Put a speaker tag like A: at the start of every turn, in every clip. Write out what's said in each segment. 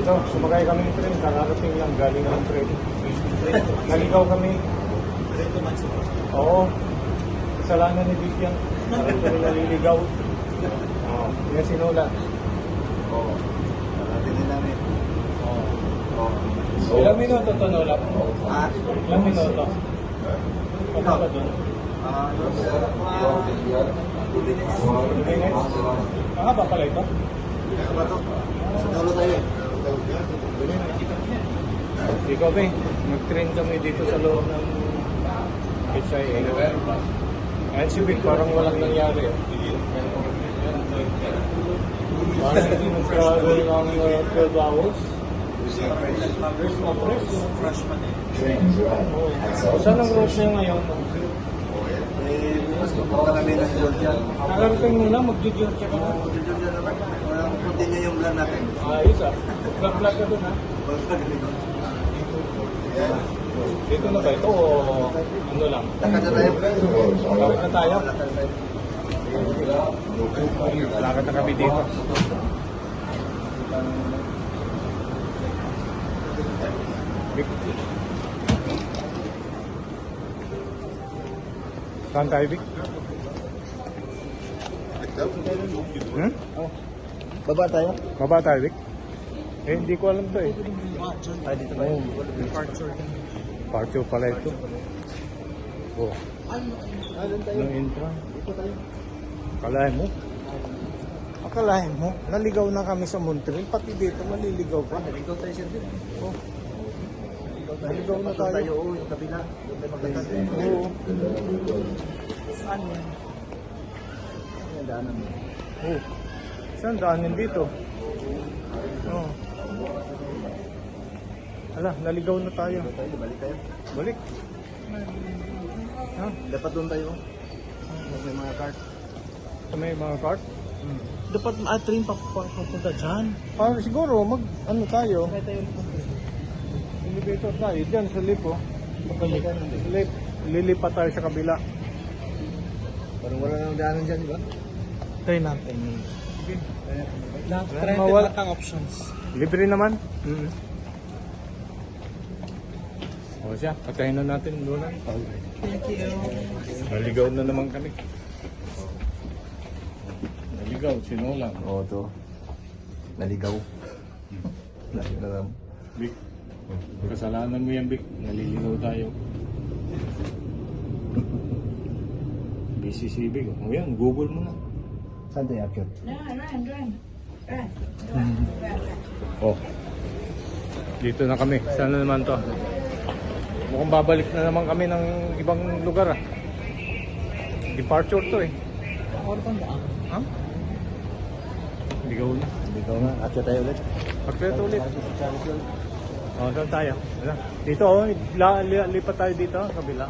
A: So, sumakay kami ng train, kararating lang galing ng train. Naligaw kami. Oo. Kasalanan ni Vic yan. Parang kami naliligaw. Oo. Yan sinula.
B: Oo. Narating din namin.
A: Oo.
B: Oo.
A: Ilang minuto to, Nola?
B: Ah?
A: Ilang minuto? Punta ka doon?
B: Ano? 2 minutes.
A: 2 minutes? Mahaba pala ito?
B: Ano ba ito? Sa dulo tayo eh.
A: Di kami, nag-train kami dito sa loob ng HIA. Ayan si Vic, parang walang nangyari. Parang nag-travel ng 12 hours.
B: Fresh pa din.
A: Oh. Saan ang route niya ngayon?
B: Pupunta kami ng Georgia.
A: Nakarating mo na, mag-Georgia ka na.
B: Georgia naman. Continue yung plan natin.
A: Ayos ah. Vlog-vlog ka doon ha. Dito na ba ito o ano lang?
B: Lakad na tayo.
A: Lakad na tayo? Lakad na kami dito. Vic. Saan tayo, Vic?
B: Baba tayo?
A: Baba tayo, Vic? Eh, hindi ko alam to eh.
B: Ay, dito ba yun?
A: Parture pala ito. Oh. Anong intro? Akalain mo? Akalain mo? Naligaw na kami sa Montreal. Pati dito, maliligaw pa.
B: Naligaw tayo siya din.
A: Oh. Naligaw na tayo.
B: Oo, yung kabila. Doon tayo magkakasya.
A: Oo.
B: Saan yan? Yung daanan mo.
A: Oh. Saan daanin dito? Oh. Ala, naligaw na tayo.
B: Balik tayo.
A: Balik. Ha?
B: Dapat doon tayo. May mga cart.
A: Sa may mga cart?
B: Dapat train papunta dyan.
A: Ah, siguro, ano tayo? Elevator tayo. Diyan sa lift, oh. Lift. Lilipat tayo sa kabila.
B: Parang wala nang daanan dyan, di ba?
A: Try natin. Sige.
B: Try
A: Mawala.
B: natin ang options.
A: Libre naman. O siya, patayin na natin doon.
B: Thank you.
A: Naligaw na naman kami. Naligaw, sino lang?
B: Oo, to. Naligaw. Naligaw.
A: Vic, kasalanan mo yan, Vic. Naliligaw tayo. Busy si Vic. O yan, Google mo na.
B: Saan tayo akyat?
A: Oh. Dito na kami. Saan na naman to? Mukhang babalik na naman kami ng ibang lugar ah. Departure to eh. Ha? Ligaw na.
B: Naligaw nga. Akyat tayo ulit.
A: Pagkret ulit. Oh, saan tayo? Wala. Dito oh, lipat tayo dito, kabila.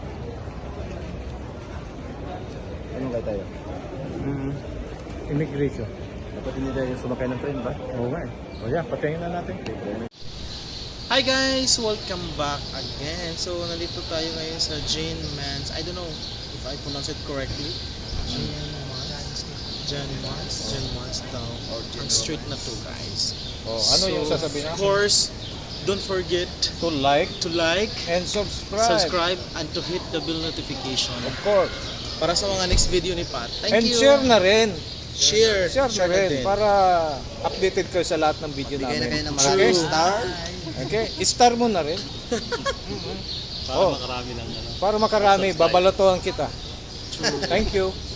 B: Anong kaya tayo?
A: Immigration.
B: Dapat hindi tayo sumakay ng train ba?
A: Oo nga eh. O yan, patayin na natin.
C: Hi guys! Welcome back again. So, nandito tayo ngayon sa Jane Mans. I don't know if I pronounce it correctly. Jane Mans daw. Ang street na to, guys.
A: Oh, ano yung sasabihin
C: Of
A: natin?
C: course, don't forget
A: To like
C: to like,
A: and subscribe.
C: subscribe, and to hit the bell notification.
A: Of course.
C: Para sa mga next video ni Pat. Thank
A: And
C: you!
A: share na rin.
C: Share!
A: Share na rin.
C: din.
A: Para updated kayo sa lahat ng video
B: Bigay na
A: namin.
B: kayo ng
A: Okay?
B: maraming star.
A: Okay? I-star mo na rin.
C: Para makarami lang.
A: Para makarami, babalatohan kita. Thank you.